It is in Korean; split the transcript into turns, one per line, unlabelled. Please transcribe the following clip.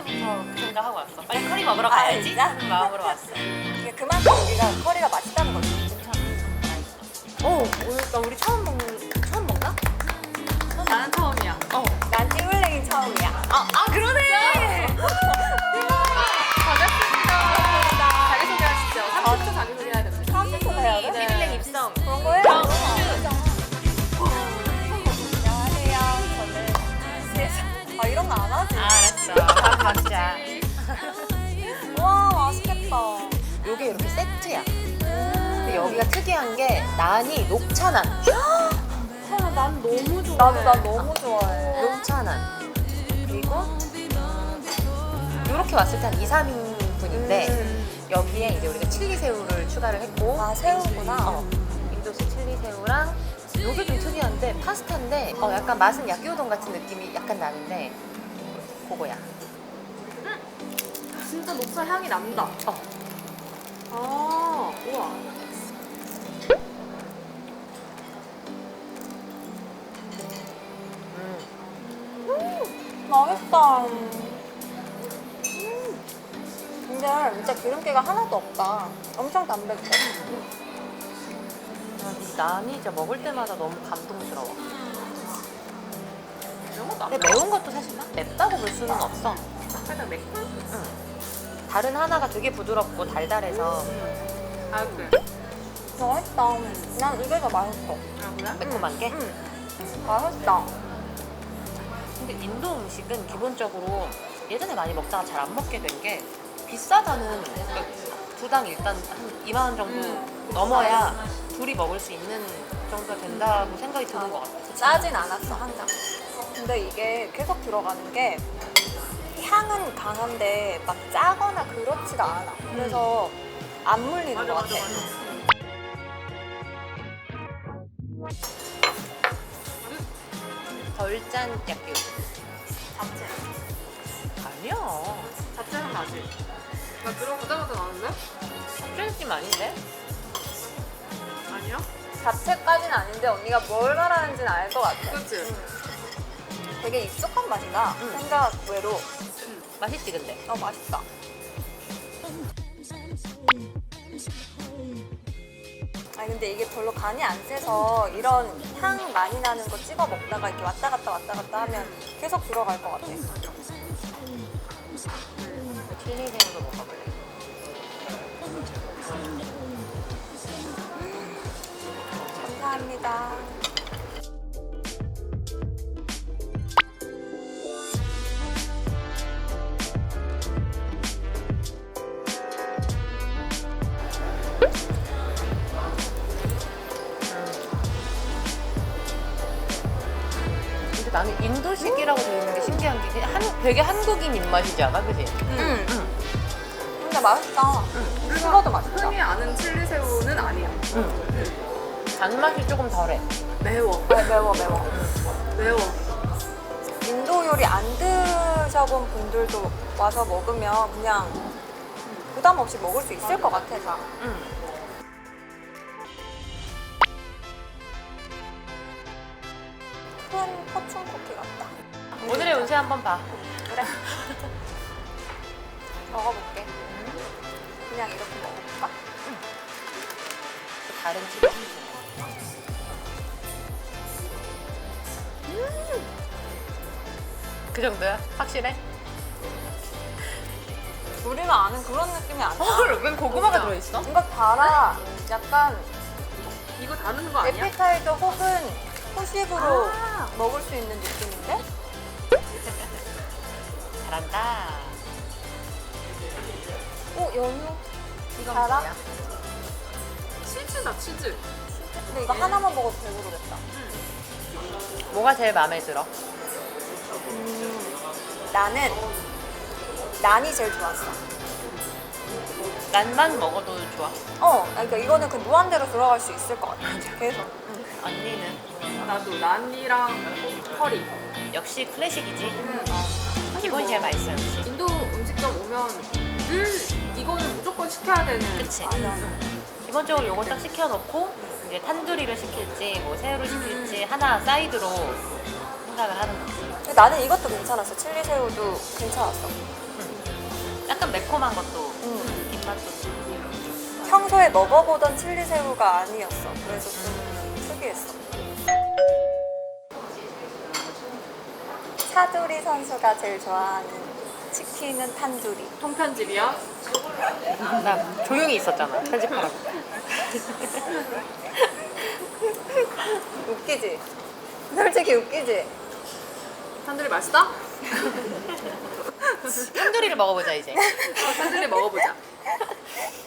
그 생각하고 왔어. 빨리 커리 먹으러 가야지.
진짜?
하는 마음으로 왔어.
이게 그만큼 여기가 커리가 맛있다는 거지.
오늘 우리 처음 먹나?
나는 처음이야.
난 찌울랭이 처음이야.
그러네.
반갑습니다. 자기소개하시죠. 30초 자기소개해야 됩니다.
처음부터 해야 돼?
비빌랭 입성.
그런 거예요? 안녕하세요. 저는 이런 거 안 하지?
알았어. 바로 가자.
와 맛있겠다.
요게 이렇게 세트야. 근데 여기가 특이한 게 난이 녹차난.
난 너무 좋아.
난 너무 좋아해.
녹차난. 그리고 이렇게 왔을 때 한 2, 3인분인데 여기에 이제 우리가 칠리새우를 추가를 했고
새우구나.
인도식 칠리새우랑 요게 좀 특이한데 파스타인데 약간 맛은 야끼우동 같은 느낌이 약간 나는데 그거야.
진짜 녹차 향이 난다. 우와.
맛있다. 근데 진짜 기름기가 하나도 없다. 엄청 담백해.
이 난이 진짜 먹을 때마다 너무 감동스러워.
이런 것도 안
근데 매운 것도 사실 막 맵다고 볼 수는 없어.
살짝 매콤?
다른 하나가 되게 부드럽고 달달해서
그래.
맛있다. 난 이게 더 맛있어.
그래?
매콤한 게.
맛있다.
근데 인도 음식은 기본적으로 예전에 많이 먹다가 잘 안 먹게 된 게 비싸다는 두당 일단 한 2만 원 정도 넘어야 둘이 먹을 수 있는 정도가 된다고 생각이 드는 것 같아.
짜진 않았어 항상. 근데 이게 계속 들어가는 게 향은 강한데 막 짜거나 그렇지가 않아. 그래서 안 물리는 것 같아.
덜 짠 야끼우동.
잡채.
아니야.
잡채 향 나지? 나 들어보자마자 나는데?
짠 느낌 아닌데?
아니야?
잡채까지는 아닌데 언니가 뭘 말하는지는 알 것 같아.
그치?
되게 익숙한 맛이다. 생각 외로.
맛있지 근데?
맛있다. 근데 이게 별로 간이 안 세서 이런 향 많이 나는 거 찍어 먹다가 이렇게 왔다 갔다 하면 계속 들어갈 것 같아.
칠리새우도 먹어볼래.
감사합니다.
근데 나는 인도식이라고 되어 있는 게 신기한 게 되게 한국인 입맛이지 않아? 그지?
근데 맛있다. 식어도 맛있다.
흔히 아는 칠리새우는 아니야.
단맛이 조금 덜해.
매워.
매워.
매워.
인도 요리 안 드셔본 분들도 와서 먹으면 그냥 부담 없이 먹을 수 있을 것 같아, 다. 큰 포춘 쿠키 같다.
오늘의 운세 한번 봐.
그래. 먹어볼게. 그냥 이렇게 먹어볼까?
다른 칠리. 그 정도야? 확실해?
우리가 아는 그런 느낌이 아니야.
왜 고구마가
진짜.
들어있어?
뭔가 달아. 약간
이거 다루는 거 아니야?
에피타이저 혹은 후식으로 먹을 수 있는 느낌인데?
잘한다.
연유.
이건
달아?
뭐야? 치즈다, 치즈.
근데 이거 하나만 먹어도 배부르겠다.
뭐가 제일 마음에 들어?
나는 난이 제일 좋았어.
난만 먹어도 좋아.
그러니까 이거는 그 무한대로 들어갈 수 있을 것 같아. 계속.
언니는?
나도 난이랑 커리.
역시 클래식이지. 기본이 제일 맛있어 역시.
인도 음식점 오면 늘 이거는 무조건 시켜야 되는.
그치?
맞아.
기본적으로 요거 딱 시켜놓고 이제 탄두리를 시킬지 뭐 새우를 시킬지 하나 사이드로 생각을 하는 거지.
나는 이것도 괜찮았어. 칠리 새우도 괜찮았어.
약간 매콤한 것도
음.
입맛도.
평소에 먹어보던 칠리 새우가 아니었어. 그래서 좀 특이했어. 차두리 선수가 제일 좋아하는 치킨은 탄두리.
통편집이요?
나 조용히 있었잖아. 편집하라고.
웃기지? 솔직히 웃기지?
탄두리 맛있어?
탄두리를 먹어보자 이제.
탄두리 먹어보자.